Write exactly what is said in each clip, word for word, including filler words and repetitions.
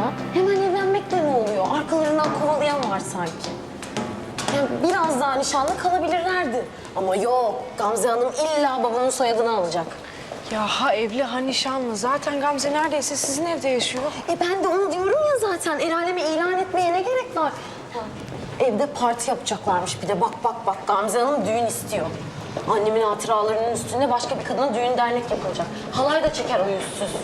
ya. Hemen evlenmekle ne oluyor? Arkalarından kovalayan var sanki. Yani biraz daha nişanlı kalabilirlerdi. Ama yok, Gamze Hanım illa babamın soyadını alacak. Ya ha evli ha nişanlı. Zaten Gamze neredeyse sizin evde yaşıyor. E ben de onu diyorum ya zaten. El aleme ilan etmeye ne gerek var? Ha, evde parti yapacaklarmış bir de. Bak bak bak, Gamze Hanım düğün istiyor. Annemin hatıralarının üstünde başka bir kadına düğün dernek yapılacak. Halay da çeker o yüzsüz.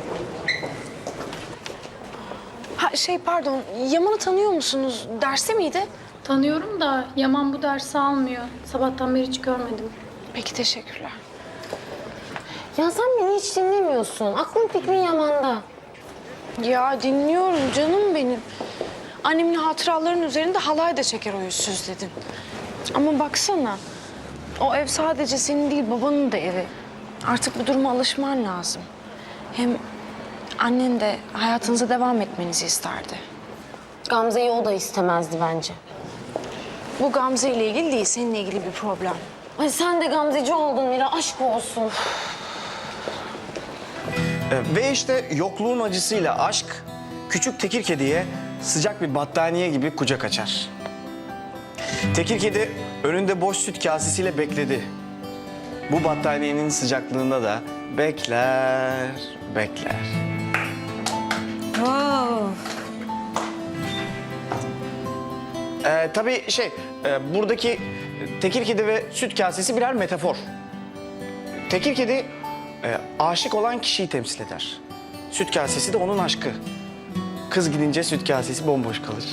Ha şey pardon, Yaman'ı tanıyor musunuz? Derste miydi? Tanıyorum da Yaman bu dersi almıyor. Sabahtan beri hiç görmedim. Peki teşekkürler. Ya sen beni hiç dinlemiyorsun. Aklın fikrin Yaman'da. Ya dinliyorum canım benim. Annemin hatıralarının üzerinde halay da çeker o yüzsüz dedin. Ama baksana, o ev sadece senin değil babanın da evi. Artık bu duruma alışman lazım. Hem annen de hayatınıza devam etmenizi isterdi. Gamze'yi o da istemezdi bence. Bu Gamze ile ilgili değil, seninle ilgili bir problem. Ay sen de Gamzeci oldun Mira, aşk olsun. Ee, Ve işte yokluğun acısıyla aşk, küçük tekir kediye sıcak bir battaniye gibi kucak açar. Tekir kedi önünde boş süt kasesiyle bekledi. Bu battaniyenin sıcaklığında da bekler, bekler. Ee, tabii şey, e, buradaki tekir kedi ve süt kasesi birer metafor. Tekir kedi e, aşık olan kişiyi temsil eder. Süt kasesi de onun aşkı. Kız gidince süt kasesi bomboş kalır.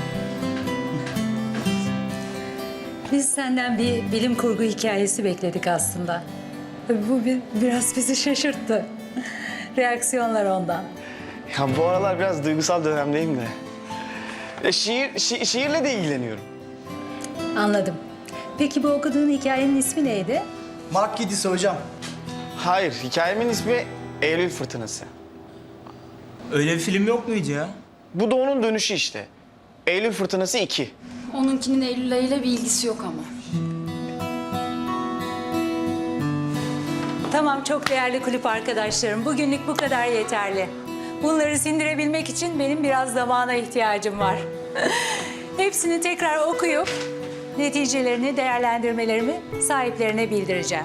Biz senden bir bilim kurgu hikayesi bekledik aslında. Tabii bu bir, biraz bizi şaşırttı. Reaksiyonlar ondan. Ya bu aralar biraz duygusal dönemdeyim de. E, şiir, şi- şiirle de ilgileniyorum. Anladım. Peki bu okuduğun hikayenin ismi neydi? Mark Gidisi hocam. Hayır, hikayemin ismi Eylül Fırtınası. Öyle bir film yok muydu ya? Bu da onun dönüşü işte. Eylül Fırtınası iki. Onunkinin Eylül ayıyla bir ilgisi yok ama. Tamam, çok değerli kulüp arkadaşlarım. Bugünlük bu kadar yeterli. Bunları sindirebilmek için benim biraz zamana ihtiyacım var. Hepsini tekrar okuyup neticelerini, değerlendirmelerimi sahiplerine bildireceğim.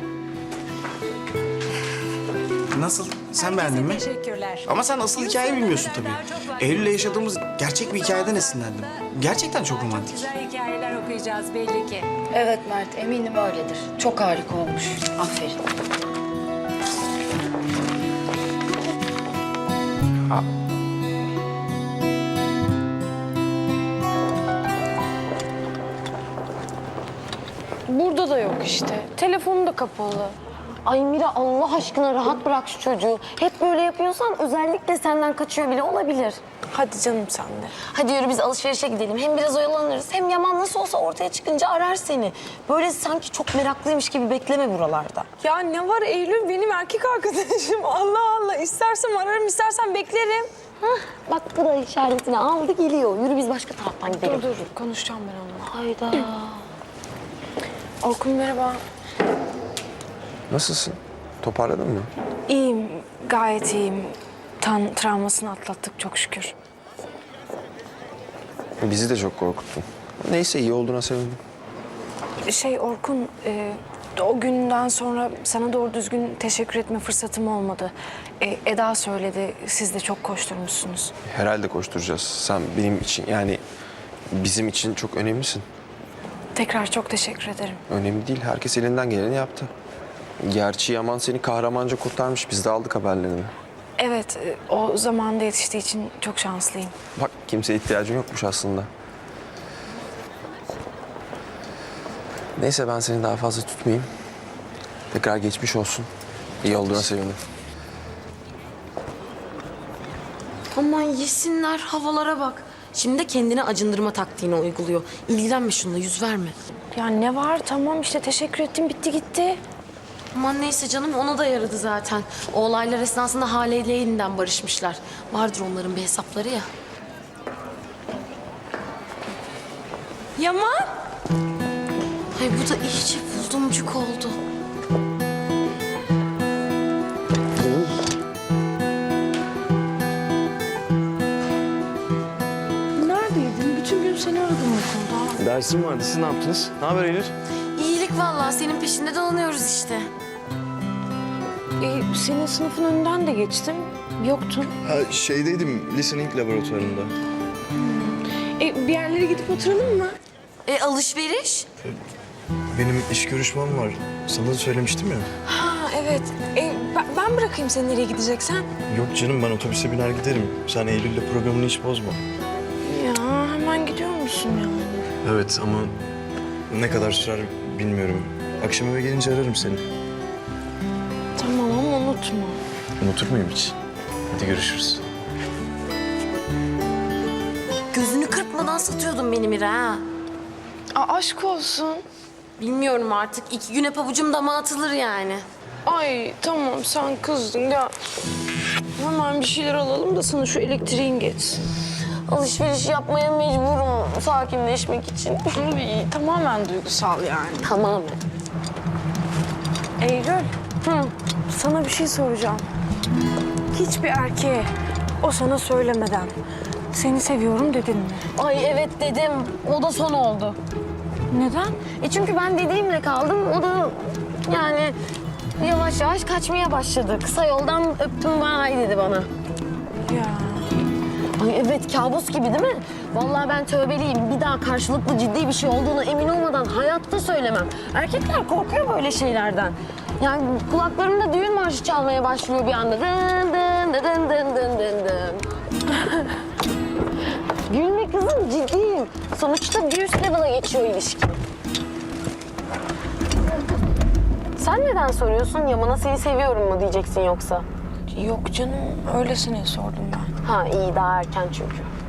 Nasıl? Sen beğendin mi? Teşekkürler. Ama sen asıl hikayeyi bilmiyorsun tabii. Eylül'le yaşadığımız gerçek bir hikayeden esinlendim. Gerçekten çok romantik. Güzel hikayeler okuyacağız belli ki. Evet Mert, eminim öyledir. Çok harika olmuş. Aferin. Burada da yok işte. Telefonu da kapalı. Ay Mira, Allah aşkına rahat bırak şu çocuğu. Hep böyle yapıyorsan özellikle senden kaçıyor bile olabilir. Hadi canım sen de. Hadi yürü biz alışverişe gidelim. Hem biraz oyalanırız. Hem Yaman nasıl olsa ortaya çıkınca arar seni. Böyle sanki çok meraklıymış gibi bekleme buralarda. Ya ne var Eylül benim erkek arkadaşım. Allah Allah. İstersem ararım, istersem beklerim. Hah, bak bu da işaretini aldı geliyor. Yürü biz başka taraftan gidelim. Dur dur konuşacağım ben onunla. Hayda. Orkun merhaba. Nasılsın? Toparladın mı? İyiyim, gayet iyiyim. Tan travmasını atlattık çok şükür. Bizi de çok korkuttun. Neyse iyi olduğuna sevindim. Şey Orkun, e, o günden sonra sana doğru düzgün teşekkür etme fırsatım olmadı. E, Eda söyledi, siz de çok koşturmuşsunuz. Herhalde koşturacağız. Sen benim için yani bizim için çok önemlisin. Tekrar çok teşekkür ederim. Önemli değil. Herkes elinden geleni yaptı. Gerçi Yaman seni kahramanca kurtarmış. Biz de aldık haberlerini. Evet, e, o zamanda yetiştiği için çok şanslıyım. Bak kimseye ihtiyacın yokmuş aslında. Neyse ben seni daha fazla tutmayayım. Tekrar geçmiş olsun. İyi olduğuna sevindim. Aman yesinler, havalara bak. Şimdi de kendine acındırma taktiğini uyguluyor. İlgilenme şununla, yüz verme. Ya ne var? Tamam işte teşekkür ettim, bitti gitti. Aman neyse canım, ona da yaradı zaten. O olaylar esnasında Hale ile yeniden barışmışlar. Vardır onların bir hesapları ya. Yaman! Ay bu da iyice buldumcuk oldu. seni aradım okulda. Dersim vardı. Siz ne yaptınız? Ne haber Eylül? İyilik vallahi, senin peşinde dolanıyoruz işte. E, senin sınıfın önünden de geçtim. Yoktun. Ha, şeydeydim, listening laboratuvarında. E, bir yerlere gidip oturalım mı? E alışveriş? Benim iş görüşmem var. Sana da söylemiştim ya. Ha evet. E, ben, ben bırakayım seni nereye gideceksen. Yok canım, ben otobüse biner giderim. Sen Eylül'le programını hiç bozma. Ya hemen gidiyor musun ya? Evet ama ne kadar sürer bilmiyorum. Akşam eve gelince ararım seni. Tamam ama unutma. Unutur muyum hiç? Hadi görüşürüz. Gözünü kırpmadan satıyordun beni Mira ha. Aa, aşk olsun. Bilmiyorum artık, iki güne pabucum dama atılır yani. Ay tamam sen kızdın ya. Hemen bir şeyler alalım da sana şu elektriğin geçsin. Alışveriş yapmaya mecburum sakinleşmek için. Ay, tamamen duygusal yani. Tamamen. Eylül. Hı. Sana bir şey soracağım. Hiçbir erkeğe o sana söylemeden seni seviyorum dedin mi? Ay evet dedim. O da son oldu. Neden? E çünkü ben dediğimle kaldım. O da yani yavaş yavaş kaçmaya başladı. Kısa yoldan öptüm vay dedi bana. Ya. Ay evet, kabus gibi değil mi? Vallahi ben tövbeliyim. Bir daha karşılıklı ciddi bir şey olduğunu emin olmadan hayatta söylemem. Erkekler korkuyor böyle şeylerden. Yani kulaklarımda düğün marşı çalmaya başlıyor bir anda. Dın dın dın dın dın dın dın. Gülme kızım, ciddiyim. Sonuçta bir üst level'a geçiyor ilişki. Sen neden soruyorsun? Yaman'a seni seviyorum mu diyeceksin yoksa? Yok canım öylesine sordum ben. Ha iyi, daha erken çünkü.